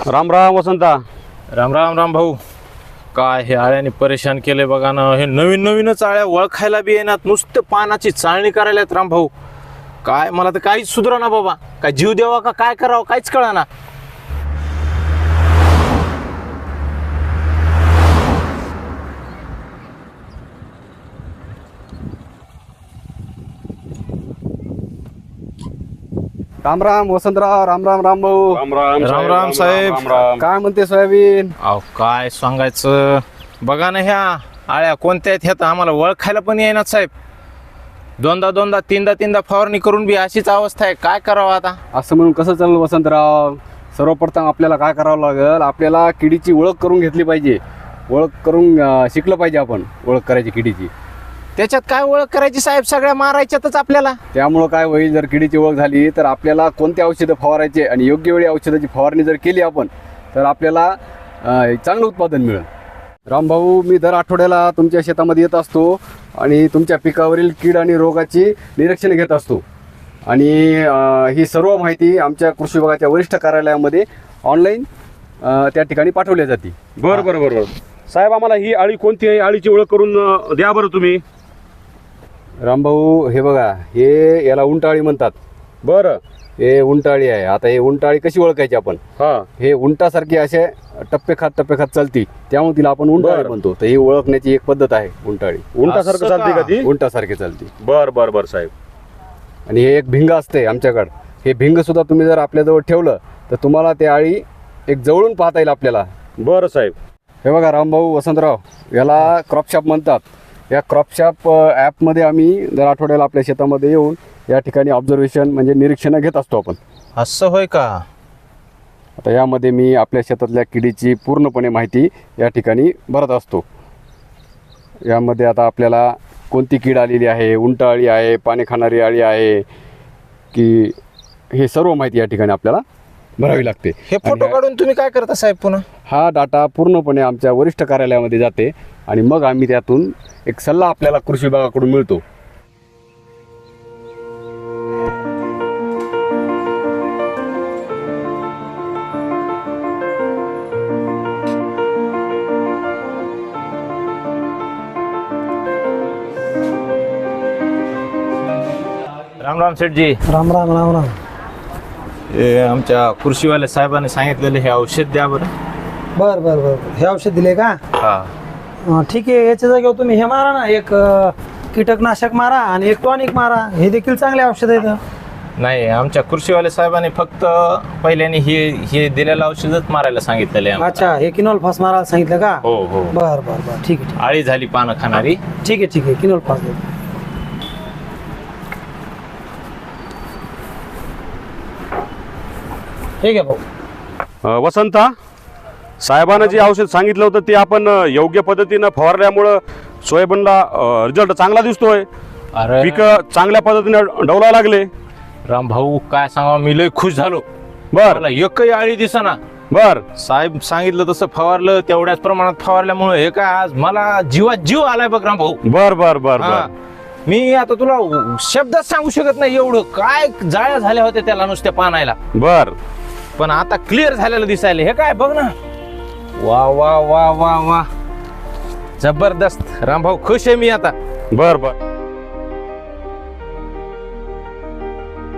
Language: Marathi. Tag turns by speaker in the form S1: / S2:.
S1: राम राम वसंता.
S2: राम राम राम भाऊ. काय हे आळ्याने परेशान केले बघा ना. हे नवीन नवीनच आळ्या ओळखायला बी येणार, नुसतं पानाची चाळणी करायलात राम भाऊ. काय मला तर काहीच सुधरा ना बाबा. काय जीव द्यावा का काय करावं काहीच कळा ना.
S3: राम राम वसंतराव. राम राम राम भाऊ.
S1: राम राम
S2: राम राम साहेब.
S1: राम राम.
S3: काय म्हणते सोयाबीन?
S2: अहो काय सांगायचं बघा ना. ह्या आळ्या कोणत्या आहेत ह्या तर आम्हाला ओळखायला पण येईनात साहेब. दोनदा तीनदा फवारणी करून बी अशीच अवस्था आहे. काय करावं आता?
S3: असं म्हणून कसं चालेल वसंतराव? सर्वप्रथम आपल्याला काय करावं लागेल, आपल्याला किडीची ओळख करून घेतली पाहिजे. ओळख करून शिकलं पाहिजे आपण ओळख करायची किडीची.
S2: त्याच्यात काय ओळख करायची साहेब? सगळ्या मारायच्यातच आपल्याला.
S3: त्यामुळं काय होईल, जर किडीची ओळख झाली तर आपल्याला कोणते औषधं फवारायचे आणि योग्य वेळी औषधाची फवारणी जर केली आपण तर आपल्याला चांगलं उत्पादन मिळेल. रामभाऊ, मी दर आठवड्याला तुमच्या शेतामध्ये येत असतो आणि तुमच्या पिकावरील कीड आणि रोगाची निरीक्षणे घेत असतो. आणि ही सर्व माहिती आमच्या कृषी विभागाच्या वरिष्ठ कार्यालयामध्ये ऑनलाईन त्या ठिकाणी पाठवली जाते.
S1: बरं साहेब, आम्हाला ही आळी कोणती आहे आळीची ओळख करून द्या बरं तुम्ही.
S3: रामभाऊ, हे बघा, हे याला उंटाळी म्हणतात.
S1: बरं.
S3: हे उंटाळी आहे. आता हे उंटाळी कशी ओळखायची आपण? हे उंटासारखी असे टप्पे खात चालती, त्यामुळे तिला आपण उंटाळी म्हणतो. तर ही ओळखण्याची एक पद्धत आहे. उंटाळी
S1: उंटासारखं चालते का ती?
S3: उंटासारखी चालती.
S1: बरं साहेब.
S3: आणि हे एक भिंग असते आमच्याकडं. हे भिंग सुद्धा तुम्ही जर आपल्याजवळ ठेवलं तर तुम्हाला ते आळी एक जवळून पाहता येईल आपल्याला.
S1: बरं साहेब.
S3: हे बघा रामभाऊ, वसंतराव, याला क्रॉपशॉप म्हणतात. या क्रॉपशॉप ॲपमध्ये आम्ही दर आठवड्याला आपल्या शेतामध्ये येऊन या ठिकाणी ऑब्झर्वेशन म्हणजे निरीक्षणं घेत असतो आपण.
S2: असं होय का?
S3: आता यामध्ये मी आपल्या शेतातल्या किडीची पूर्णपणे माहिती या ठिकाणी भरत असतो. यामध्ये आता आपल्याला कोणती कीड आलेली आहे, उंटाळी आहे, पाणी खाणारी आळी आहे की, हे सर्व माहिती या ठिकाणी आपल्याला भरावी लागते.
S2: हे फोटो काढून तुम्ही काय करता साहेब पुन्हा?
S3: हा डाटा पूर्णपणे आमच्या वरिष्ठ कार्यालयामध्ये जाते आणि मग आम्ही त्यातून एक सल्ला आपल्याला कृषी विभागाकडून मिळतो.
S2: राम राम सेठजी.
S4: राम राम राम राम.
S2: हे आमच्या कृषीवाल्या साहेबांनी सांगितलेलं हे औषध द्या बरं.
S4: बर बर बर, हे औषध दिले का?
S2: हा.
S4: ठीक आहे. याच्या जागेवर तुम्ही हे मारा ना, एक कीटकनाशक मारा आणि एक टॉनिक मारा. हे देखील चांगले औषध आहेत.
S2: नाही, आमच्या कृषीवाल्या साहेबांनी फक्त पहिल्याने हे दिलेलं औषधच मारायला सांगितलेलं आहे.
S4: अच्छा, हे किनोल फास मारायला सांगितलं का?
S2: हो.
S4: बर बर बर, ठीक आहे
S2: आळी झाली पानं खाणारी.
S4: ठीक आहे किनोल फास दे. ठीक आहे भाऊ.
S1: वसंता, साहेबांना जे औषध सांगितलं होतं ते आपण योग्य पद्धतीनं फवारल्यामुळं सोयाबीनला रिझल्ट चांगला दिसतोय.
S2: अरे
S1: पिकं चांगल्या पद्धतीने डवला लागले.
S2: राम भाऊ, काय सांगा, मी लय खुश झालो.
S1: बर.
S2: मला एकही आळी दिसेना.
S1: बर.
S2: साहेब सांगितलं तसं फवारलं, तेवढ्याच प्रमाणात फवारल्यामुळे हे काय आज मला जीवात जीव आलाय बघ राम भाऊ.
S1: बर.
S2: हा. मी आता तुला शब्दात सांगू शकत नाही एवढं काय जाळ्या झाल्या होत्या त्याला नुसत्या पानायला.
S1: बर.
S2: पण आता क्लिअर झालेलं दिसायला. हे काय बघ ना. वा वा वा वा वा, जबरदस्त. रामभाऊ खुश आहे मी आता.
S1: बर.